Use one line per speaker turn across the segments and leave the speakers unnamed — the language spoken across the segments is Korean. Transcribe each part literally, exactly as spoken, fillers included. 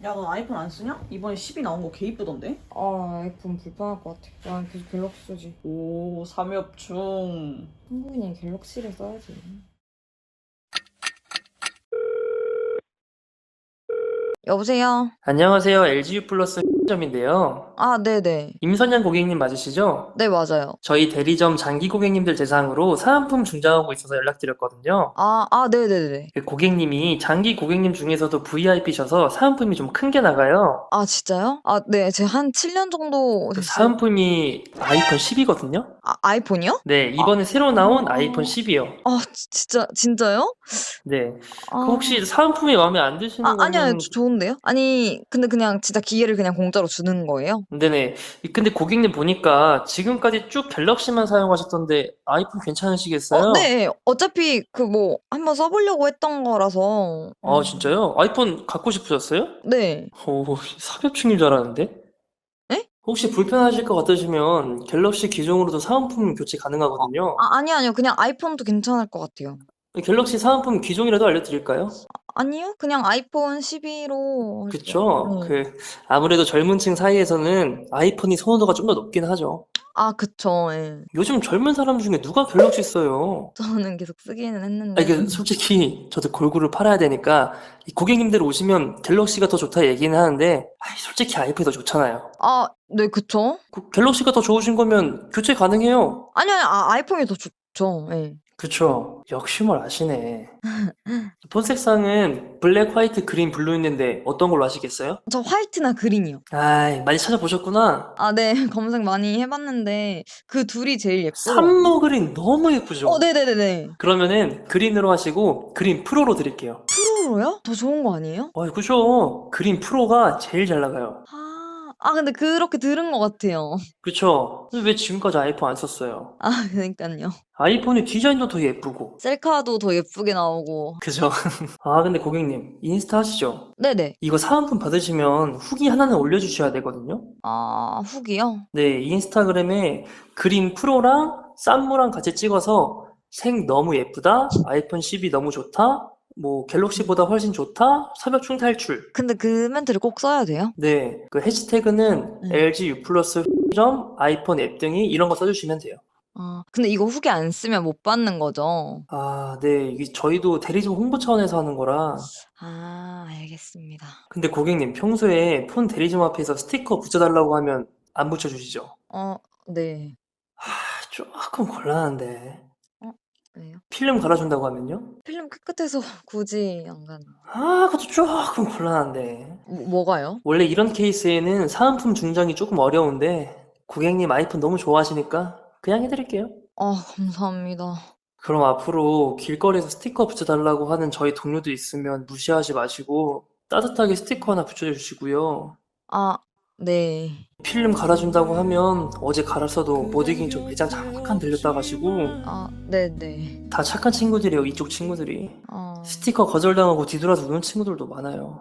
야, 너 아이폰 안 쓰냐? 이번에 십이 나온 거 개 이쁘던데?
아, 아이폰 불편할 것 같아. 난 계속 갤럭시 쓰지.
오, 삼엽충.
한국인이 갤럭시를 써야지.
여보세요?
안녕하세요. 엘지유 플러스 점인데요.
아, 네네.
임선양 고객님 맞으시죠?
네, 맞아요.
저희 대리점 장기 고객님들 대상으로 사은품 중장하고 있어서 연락드렸거든요.
아, 아, 네네네.
그 고객님이 장기 고객님 중에서도 브이아이피셔서 사은품이 좀 큰 게 나가요.
아, 진짜요? 아, 네. 제가 한 칠 년 정도
그
됐어요.
사은품이 아이폰 십이거든요.
아, 아이폰이요?
네, 이번에 새로 나온
아.
아이폰 십이요.
아, 지- 진짜, 진짜요?
네.
아.
그 혹시 사은품이 마음에 안 드시는
아, 아니요, 아니요.
거면
저- 좋은데요? 아니, 근데 그냥 진짜 기계를 그냥 공짜로 주는 거예요?
네네. 근데 고객님 보니까 지금까지 쭉 갤럭시만 사용하셨던데 아이폰 괜찮으시겠어요?
어, 네. 어차피 그 뭐 한번 써보려고 했던 거라서.
아,
음,
진짜요? 아이폰 갖고 싶으셨어요?
네.
오, 사기업충인 줄 알았는데?
에?
혹시 불편하실 것 같으시면 갤럭시 기종으로도 사은품 교체 가능하거든요.
아, 아니요, 아니요. 그냥 아이폰도 괜찮을 것 같아요.
갤럭시 사은품 기종이라도 알려드릴까요?
아니요? 그냥 아이폰 십이로 할게요.
그쵸?
네.
그, 아무래도 젊은 층 사이에서는 아이폰이 선호도가 좀 더 높긴 하죠.
아, 그쵸. 예.
요즘 젊은 사람 중에 누가 갤럭시 써요?
저는 계속 쓰기는
아,
했는데.
이게 솔직히 저도 골고루 팔아야 되니까 이 고객님들 오시면 갤럭시가 더 좋다 얘기는 하는데 아이, 솔직히 아이폰이 더 좋잖아요.
아, 네, 그쵸.
그 갤럭시가 더 좋으신 거면 교체 가능해요.
아니요, 아니요. 아, 아이폰이 더 좋죠. 예.
그쵸. 역시 뭘 아시네. 폰색상은 블랙, 화이트, 그린, 블루 있는데 어떤 걸로 하시겠어요?
저 화이트나 그린이요.
아이, 많이 찾아보셨구나.
아, 네. 검색 많이 해봤는데 그 둘이 제일 예쁘고.
산모 그린 너무 예쁘죠?
어, 네네네네.
그러면은 그린으로 하시고 그린 프로로 드릴게요.
프로로요? 더 좋은 거 아니에요?
어, 그죠. 그린 프로가 제일 잘 나가요.
아, 아, 근데 그렇게 들은 것 같아요.
그쵸. 근데 왜 지금까지 아이폰 안 썼어요?
아, 그러니까요.
아이폰의 디자인도 더 예쁘고.
셀카도 더 예쁘게 나오고.
그죠. 아, 근데 고객님, 인스타 하시죠?
네네.
이거 사은품 받으시면 후기 하나는 올려주셔야 되거든요?
아, 후기요?
네, 인스타그램에 그린 프로랑 쌈무랑 같이 찍어서 색 너무 예쁘다, 아이폰 십이 너무 좋다, 뭐 갤럭시보다 훨씬 좋다, 삼엽충 탈출.
근데 그 멘트를 꼭 써야 돼요?
네, 그 해시태그는
음.
엘지 U 플러스 점 아이폰 앱 등이 이런 거 써주시면 돼요.
아, 근데 이거 후기 안 쓰면 못 받는 거죠?
아, 네, 이게 저희도 대리점 홍보 차원에서 하는 거라.
아, 알겠습니다.
근데 고객님, 평소에 폰 대리점 앞에서 스티커 붙여달라고 하면 안 붙여주시죠?
어, 네.
아, 조금 곤란한데.
왜요?
필름 갈아준다고 하면요?
필름 깨끗해서 굳이 안 가는.
아, 그것도 조금 곤란한데.
뭐, 뭐가요?
원래 이런 케이스에는 사은품 중장이 조금 어려운데, 고객님 아이폰 너무 좋아하시니까 그냥 해드릴게요.
아, 감사합니다.
그럼 앞으로 길거리에서 스티커 붙여달라고 하는 저희 동료도 있으면 무시하지 마시고, 따뜻하게 스티커 하나 붙여주시고요.
아, 네.
필름 갈아준다고 하면 어제 갈았어도 못 이긴 저 매장 잠깐 들렸다 가시고,
아, 네네.
다 착한 친구들이에요, 이쪽 친구들이.
아,
스티커 거절당하고 뒤돌아서 우는 친구들도 많아요.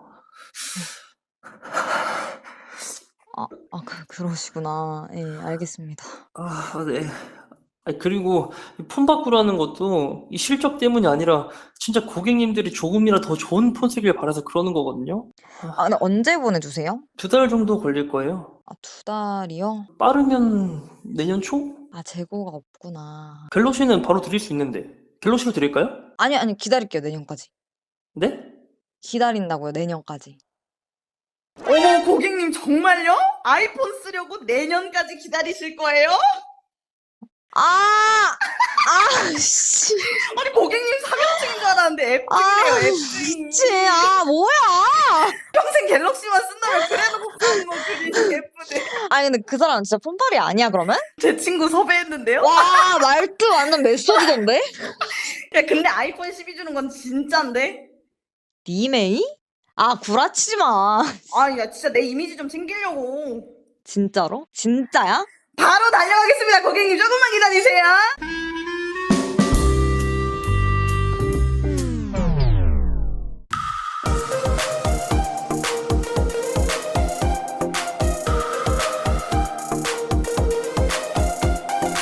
아, 아, 그, 그러시구나. 예, 알겠습니다.
아, 네. 아니, 그리고 이 폰 바꾸라는 것도 이 실적 때문이 아니라 진짜 고객님들이 조금이라도 더 좋은 폰 쓰길 바라서 그러는 거거든요.
아, 근데 언제 보내주세요?
두 달 정도 걸릴 거예요.
아, 두 달이요?
빠르면 내년 초?
아, 재고가 없구나.
갤럭시는 바로 드릴 수 있는데. 갤럭시로 드릴까요?
아니, 아니, 기다릴게요, 내년까지.
네?
기다린다고요, 내년까지.
어머, 고객님 정말요? 아이폰 쓰려고 내년까지 기다리실 거예요?
아! 아, 씨.
아니, 고객님 삼엽충인 줄 알았는데
아,
앱증이네요, 앱증.
미치. 아, 뭐야!
평생 갤럭시만 쓴다면 그래놓고 쓰는 거 그리 예쁘네.
아니, 근데 그 사람 진짜 폰팔이 아니야, 그러면?
제 친구 섭외했는데요?
와, 말투 완전 메소드던데?
야, 근데 아이폰 십이 주는 건 진짠데?
니메이? 아, 구라치지 마.
아, 야, 진짜 내 이미지 좀 챙기려고.
진짜로? 진짜야?
바로 달려가겠습니다, 고객님. 조금만 기다리세요.